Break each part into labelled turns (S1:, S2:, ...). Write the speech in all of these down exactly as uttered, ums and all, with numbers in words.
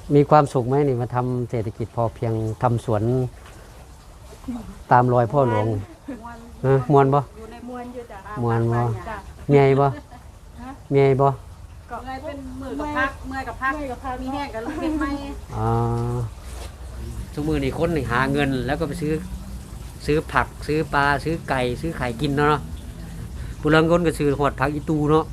S1: มีความสุขไหมนี่มาทำเศรษฐกิจพอเพียงทำสวนตามรอยพ่อหลวงฮะมวนบ่
S2: อยู่ในมวนอยู่จ้ะ
S1: มวนบ่
S2: จ้ะ
S1: เมียบ่เมียบ่
S2: ก็เลยเป็นมือกับพักเมื่อยกับพักมีแห้งกับลูกเก็บไม้
S1: อ๋อทุกมือนี่คนนี่หาเงินแล้วก็ไปซื้อซื้อผักซื้อปลาซื้อไก่ซื้อไข่กินเนาะผู้ลังคนก็ซื้อหอดผักอีตูเนาะ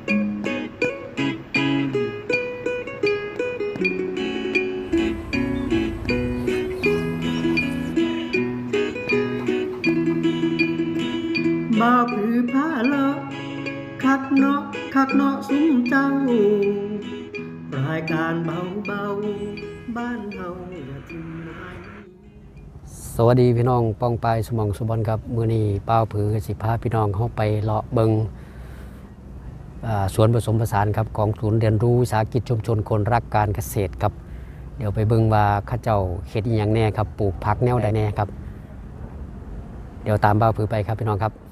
S3: บ่าวผือผ้าเลาะคักเนาะคักเนาะซุ้มเจ้ารายการเบาเบาบ้านเฮาอย่าทิ้งนาย
S1: สวัสดีพี่น้องป้องปายสมองสุบอลครับมื้อนี้ป้าวผือสิพาพี่น้องเข้าไปเลาะเบิงสวนผสมผสานครับของศูนย์เรียนรู้วิสาหกิจชุมชนคนรักการเกษตรครับเดี๋ยวไปเบิงว่าข้าเจ้าเฮ็ดอีหยังแน่ครับปลูกผักแนวใดแน่ครับเดี๋ยวตามป้าวผือไปครับพี่น้องครับ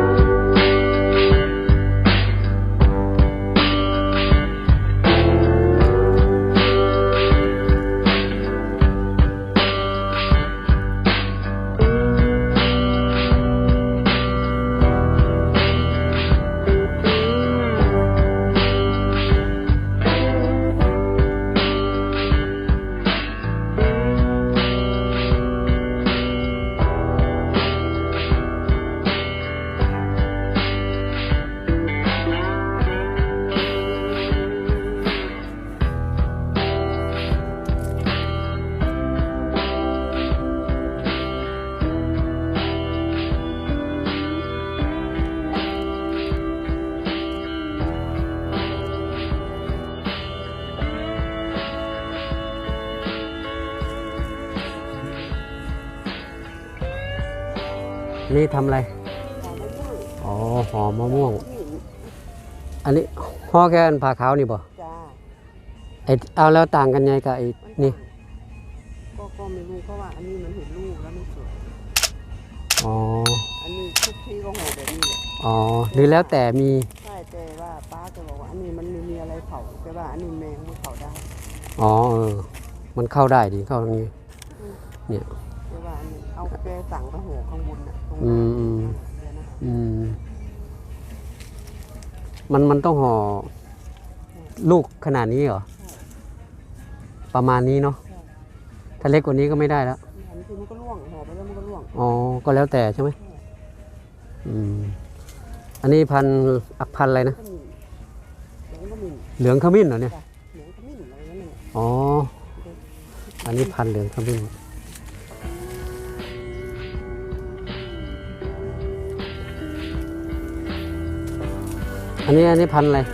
S1: นี่ทำอะไรอ๋อหอมมะม่วงอันนี้ห่อแค่อันผ่าขาวนี่บ่จ้าไอเอาแล้วต่างกันไงกับไอ้นี่
S4: ก็ก็ไม่รู้เพราะว่าอันนี้มันเห็นลูกแล้วมันสวย
S1: อ๋อ
S4: อันนี้ทุกที่ก็ห่อแบบนี้แหละ
S1: อ๋อหรือแล้วแต่มี
S4: ใช่แต่ว่าป้าจะบอกว่าอันนี้มันไม่มีอะไรเผาแต่ว่าอันนี้แมงมันเผาได้
S1: อ๋อเออมันเข้าได้ดิเข้าตรงนี้เนี่ย
S4: แต่ว่าอันนี้เอาแกสั่งกระหัวข้างบนน่ะตรง
S1: อืมอืมอืมมันมันต้องห่อลูกขนาดนี้เหรอประมาณนี้เนาะถ้าเล็กกว่านี้ก็ไม่ได้แล้ว
S4: อันนี้มันก็ร่วงห่อไปแล้วมันก็ร่วง
S1: อ๋อก็แล้วแต่ใช่ไหมอืมอันนี้พันอักพันอะไรนะเหลืองขมิ้นเหรอเนี่ย
S4: เหลืองขมิ้นอะไรนั่น
S1: อ๋ออันนี้พันเหลืองขมิ้นอันนี้อันนี้พันอะไร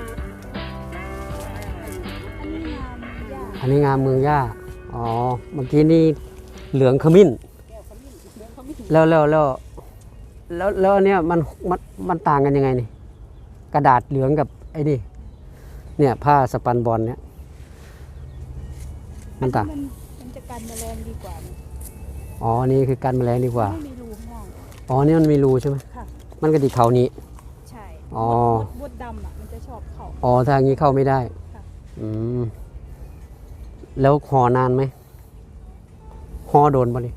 S1: อันนี้งามเมืองย่าอ๋อเมื่อกี้นี่เหลืองขมิ้นแล้วแล้วแล้วแล้วแล้วอันเนี้ยมันมันมันต่างกันยังไงนี่กระดาษเหลืองกับไอ้นี่เนี่ยผ้าสปันบอลเนี่ยมันต่าง
S2: มันจะกันแมลงดีกว่า
S1: อ๋อนี่คือกันแมลงดีกว่า
S2: ไม่มีรูข้างล่าง
S1: อ๋อนี่มันมีรูใช่ไหมค่ะมันกระดิกเขานี้
S2: ใช่
S1: อ๋อ
S2: มดดำอ่ะมันจะชอบเข้า
S1: อ๋อทางนี้เข้าไม่ได้อืมแล้วห่อนานไหมห่อโดนป่ะนี่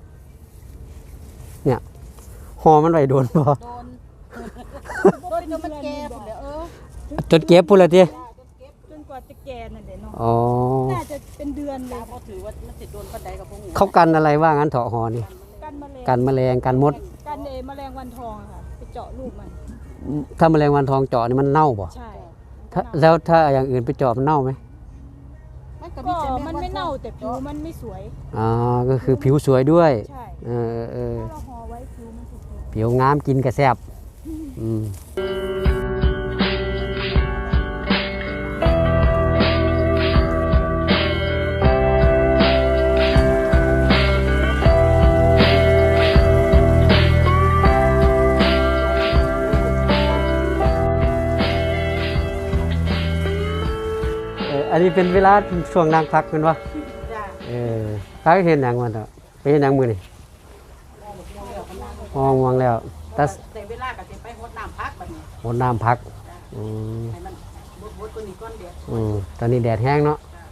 S1: เนี่ยห่อมันไหวโดนป่ะโดน
S2: โดนจนมันแก่หมดเลยเออ
S1: จนเก็บพูดเลยที
S2: จนกว่าจะแก่นั่นเดี๋ยวเนาะ
S1: อ๋อ
S2: น่าจะเป็นเดือนเลย
S4: เขาถือว่ามันติดโดนปันไดกับพวกนี้
S1: เขากันอะไรว่างั้นเถาะห่อนี่กันแมลงกันมด
S2: กันเอแมลงวันทองค่ะไปเจาะลูกมัน
S1: ถ้าแมลงวันทองเจาะนี่มันเน่าป่ะ
S2: ใช่
S1: แล้วถ้าอย่างอื่นไปเจาะมันเน่าไหม
S2: ก็มันไม่เน่าแต่ผิวมันไม่สวย
S1: อ๋อก็คือผิวสวยด้วย
S2: ใช่
S1: เออเออ
S2: เราห่อไว้ผิวมันสวย
S1: ผิวงามกินกระแซบอืมอันนี้เป็นเวลาช่วงนั่งพักเป็นวะเออพักเห็นอย่างมันอ่ะไปเห็นอย่างมือนี่มองมองแล้วแต่
S4: เวลาก็จะไปหดน้ำพักแบบนี้
S1: หดน้ำพักอืม
S4: ให้มันบดๆตัวนี้ก้อนเดียว
S1: อืมตอนนี้แดดแห้งเนาะ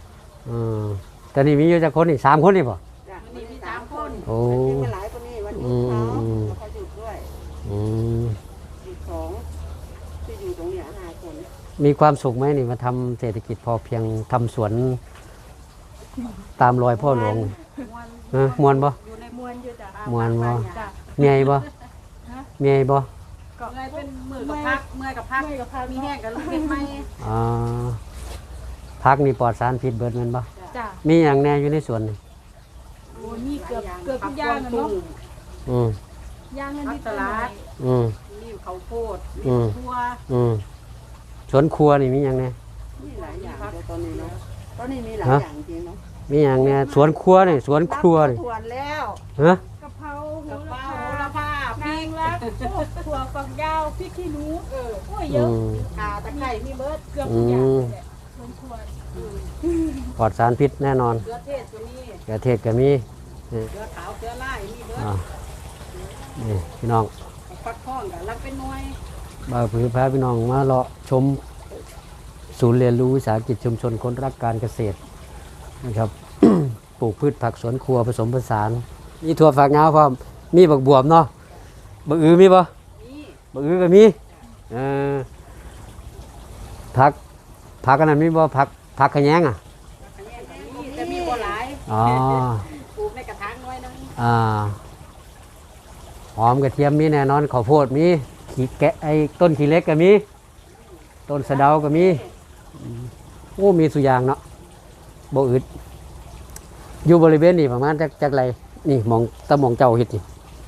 S1: อืมแต่นี่มีอยู่จักคนนี่สามคนนี่บ่
S4: จ้ะ
S2: วันนี้มีสามคน
S1: โอ้
S4: มันหลายคนนี่วันหยุดเขาแล้วเขาหยุดด้วย
S1: อืม
S4: หยุดสองที่อยู่ตรงเนี้ยห้าคน
S1: มีความสุขไหมนี่มาทำเศรษฐกิจพอเพียงทำสวนตามรอยพ่อหลวง
S2: มวน
S1: ฮะมวนบ่
S2: อยู่ในมวนอยู่จ้ะ
S1: ม่วนบ่
S2: จ้ะ
S1: เมียบ่เมียบ่
S2: ก็เลยเป็นมือกับพักเมื่อยกับพักมีแห้งกับลูกเห็ดไหม
S1: อ่าพักนี่ปลอดสารพิษเบิดแม่นบ่
S2: จ้ะ
S1: มีหยังแน่อยู่ในสวนนี่
S2: โอ้นี่เกือบเกือบทุกอย่างอะเนาะ
S1: อืม
S2: ย่างเงินที่ตลาด
S1: อืม
S2: มีข้าวโพด
S1: อื
S2: มี
S1: ม
S2: ทั่ว
S1: อืมสวนครัวนี่มีหยังแน่
S4: มีหลายอย่างเดี๋ยวตอนนี้เนาะตอนนี้มีหลาย
S1: ฮะ
S4: อย่างจริงเนาะ
S1: มีหยังแน่สวนครัวนี่สวนครัวนี่
S4: ทวนแล้ว
S1: ฮะ
S2: กะเพราโห
S4: กับ
S2: ระ
S4: เป้า
S2: พา
S4: โหระพาพ
S2: นาง
S4: ริก
S2: รักโอ้ถั่วฝักยาวพริกขี้หนูเออโอ้ยเย
S1: อื
S2: อะ
S1: ม
S4: ข่าตะไคร้มีเบิร์ด
S2: เกือบทุกอย่างเลยแหละสมควร
S1: ปลอดสารพิษแน่นอน
S4: เกลือเทศตัวนี้
S1: กระเทศก็มีนี่
S4: เกลือขาวเกลือลายมีเบิร์ด
S1: อ่านี่พี่น้อง
S4: ฟักทองกับรักเป็นหน่วย
S1: บ่าวผือพาพี่น้องมาเลาะชมศูนย์เรียนรู้วิสาหกิจชุมชนคนรักการเกษตรนะครับ ปลูกพืชผักสวนครัวผสมผสานมีถั่วฝักยาวพร้อมมีบักบวบเนาะบักอือมีบ่
S4: นี่
S1: บักอือก็มีเออผักผักอันนั้นมีบ่ผักผักขะแยงอ่ะ
S4: อันนี้อันนี้แต่มีบัวหลาย
S1: อ๋อ
S4: ปลูกในกระถางน้อยนึง
S1: อ่าหอมกระเทียมมีแน่นอนข้าวโพดมีขี้แกะไอ้ต้นขี้เหล็กก็มีต้นสะเดาก็มีอืมโอ้มีสุอยางเนาะบ่อึดอยู่บริเวณนี้ประมาณจักจักไรนี่หมองตะหมองเจ้าเฮ็ดนี่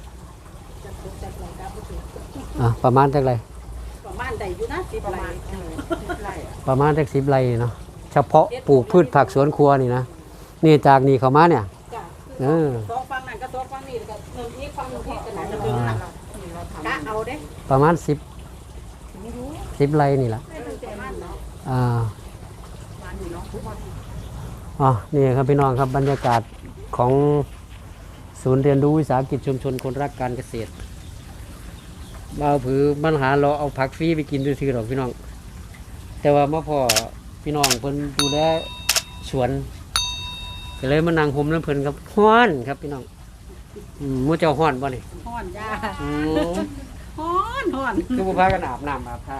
S1: อ่ะประมาณจักไร
S4: ประมาณใดอยู่นะสิประมาณเออสิบไร่อะ
S1: ประมาณจักสิบไรเนาะเฉพาะปลูกพืชผักสวนครัวนี่นะนี่จากนี่เข้ามาเนี่ย
S4: จ้ะ
S1: เออ
S4: สองฝั่งนั้นก็สองฝั่งนี้แล้วก็หนึ่งอีกฝั่งหนึ่งอีกกันไหนจะดึงนั่นล่ะกะเอาเด้
S1: ประมาณสิบสิบไรนี่แหละ
S4: ไม่ต้องประมาณเนาะ
S1: อ่า
S4: ประมาณนี้เนาะทุกวัน
S1: อ๋อนี่ครับพี่น้องครับบรรยากาศของศูนย์เรียนรู้วิสาหกิจชุมชนคนรักการเกษตรบ่าวผือปัญหาเราเอาผักฟรีไปกินซื่อๆหรอกพี่น้อง แต่ว่ามาพอพี่น้องเพิ่นดูแลสวนก็เลยมานั่งห่มน้ำเพิ่นครับฮ้อนครับพี่น้องอืมมื้อเจ้าฮ้อนบ่นี่
S2: ห่อนจ้า
S1: อืม
S2: ห่อนห่อน
S1: คือบ่พากันอาบน้ำอาบท่า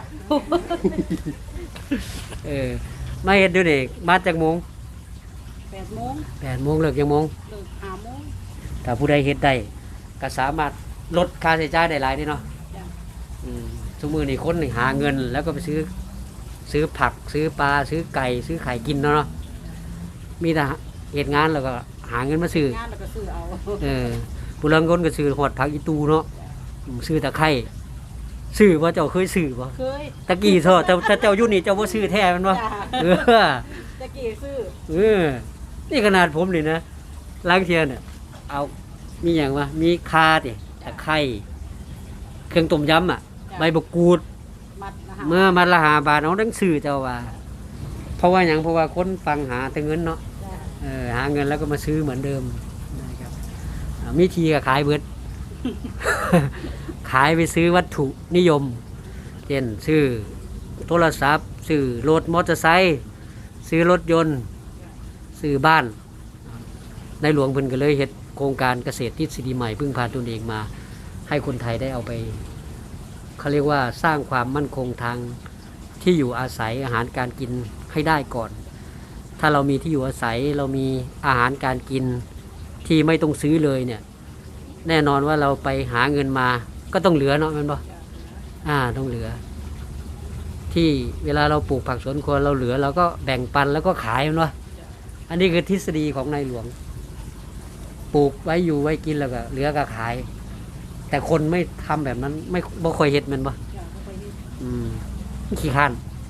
S1: เออมาเฮ็ดดูนี่มาจากโมง
S2: แปดโมง
S1: แปดโมงเลิกกี่โมง
S2: เลิกห้าโมง
S1: ถ้าผู้ใดเฮ็ดได้ก็สามารถลดค่าใช้จ่ายได้หลายเด้เนาะ
S2: จ้ะ
S1: อืมทุกมื้อนี้คนนี่หาเงิน แล้วก็ไปซื้อ ซื้อผัก ซื้อปลา ซื้อไก่ ซื้อไข่กินเนาะเนาะมีแต่เฮ็ดงานแล้วก็หาเงินมาซื้อ
S2: งานแล้วก็ซื้อเอา
S1: เออผู้ลังคนก็ซื้อหอดผักอีตูเนาะอืมซื้อตะไคร้ซื้อบ่เจ้าเคยซื้อบ่
S2: เคย
S1: ตะกี้เถอะแต่แต่เจ้าอยู่นี่เจ้าบ่ซื้อแท้แมันบ่
S2: จ้ะ
S1: เออ
S2: ตะกี้ซื้อ
S1: เออ นี่ขนาดผมนี่นะล้างเทียนเนี่ยเอามีอย่างวะมีคาติตะไคร้เครื่องต้มยำอ่ะ ใบมะกรูด
S2: มัดนะคะ
S1: เมื่อมาละหาบาทเอาดังซื้อเจ้าว่า เพราะว่าอย่างเพราะว่าคนฟังหาแต่เงินเนาะ
S2: จ้ะ
S1: เออหาเงินแล้วก็มาซื้อเหมือนเดิมนะครับอ่ามีทีก็ขายเบิด ขายไปซื้อวัตถุนิยม เช่นซื้อโทรศัพท์ซื้อรถมอเตอร์ไซค์ซื้อรถยนต์ซื้อบ้าน ในหลวงเพิ่นก็เลยเฮ็ดโครงการเกษตรทฤษฎีใหม่พึ่งพาตนเองมา ให้คนไทยได้เอาไปเขาเรียกว่าสร้างความมั่นคงทางที่อยู่อาศัยอาหารการกินให้ได้ก่อน ถ้าเรามีที่อยู่อาศัยเรามีอาหารการกินที่ไม่ต้องซื้อเลยเนี่ย แน่นอนว่าเราไปหาเงินมาก็ต้องเหลือเนาะแมันบ่อ่าต้องเหลือ ที่เวลาเราปลูกผักสวนครัวเราเหลือเราก็แบ่งปันแล้วก็ขายแมันวะอันนี้คือทฤษฎีของในหลวง ปลูกไว้อยู่ไว้กินแล้วก็เหลือก็ขาย แต่คนไม่ทำแบบนั้น ไม่บ่ค่อยเฮ็ดแมันบ่
S2: จ้ะเอาไปนี่
S1: อืมขี้ข้าน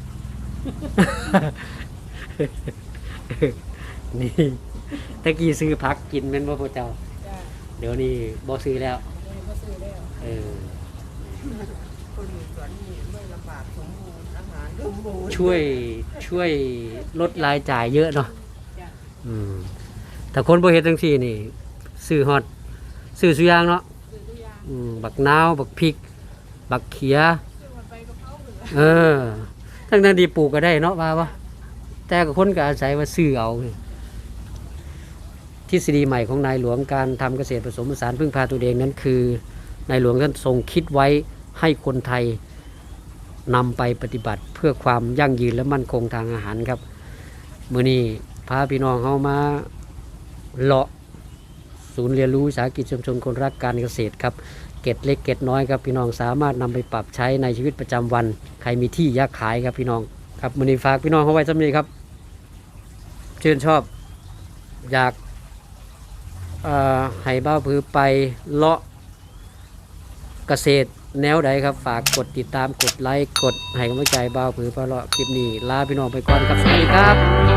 S1: นี่ตะกี้ซื้อผักกินแม่นบ่พ่อเจ้า
S2: จ้ะ
S1: เดี๋ยวนี้บ่ซื้อแล้ว
S2: เดี๋ยวก็ซื้อแล้ว
S1: เออ
S4: คนอยู่สวนนี่ไม่ลำบากสมบูรณ์อาหารสมบูรณ์
S1: ช่วยช่วยลดรายจ่ายเยอะเนาะ
S2: จ้ะ
S1: อืมแต่คนบ่เฮ็ดจังซี่นี่ซื้อฮอดซื้อสุอยางเนาะ
S2: ซื้อทุกอย่าง
S1: อืมบักนาวบักพริก บักเขีย
S2: ซื้อมันไปกะเพราเหลือ
S1: เออทั้งนั้นดีปลูกก็ได้เนาะว่าบ่แต่ก็คนก็อาศัยว่าซื้อเอาทฤษฎีใหม่ของนายหลวงการทำเกษตรผสมผสานพึ่งพาตัวเองนั้นคือนายหลวงท่านทรงคิดไว้ให้คนไทยนำไปปฏิบัติเพื่อความยั่งยืนและมั่นคงทางอาหารครับมื้อนี้พาพี่น้องเฮามาเลาะศูนย์เรียนรู้วิสาหกิจชุมชนคนรักการเกษตรครับเกร็ดเล็กเกร็ดน้อยครับพี่น้องสามารถนำไปปรับใช้ในชีวิตประจำวันใครมีที่อยากขายครับพี่น้องครับมื้อนี้ฝากพี่น้องเฮาไว้สำนี้ครับชื่นชอบอยากเอ่อให้บ้าวผือไปเลาะเกษตรแนวใดครับฝากกดติดตามกดไลค์กดให้กำลังใจบ้าวผือไปเลาะคลิปนี้ลาพี่น้องไปก่อนครับสวัสดีครับ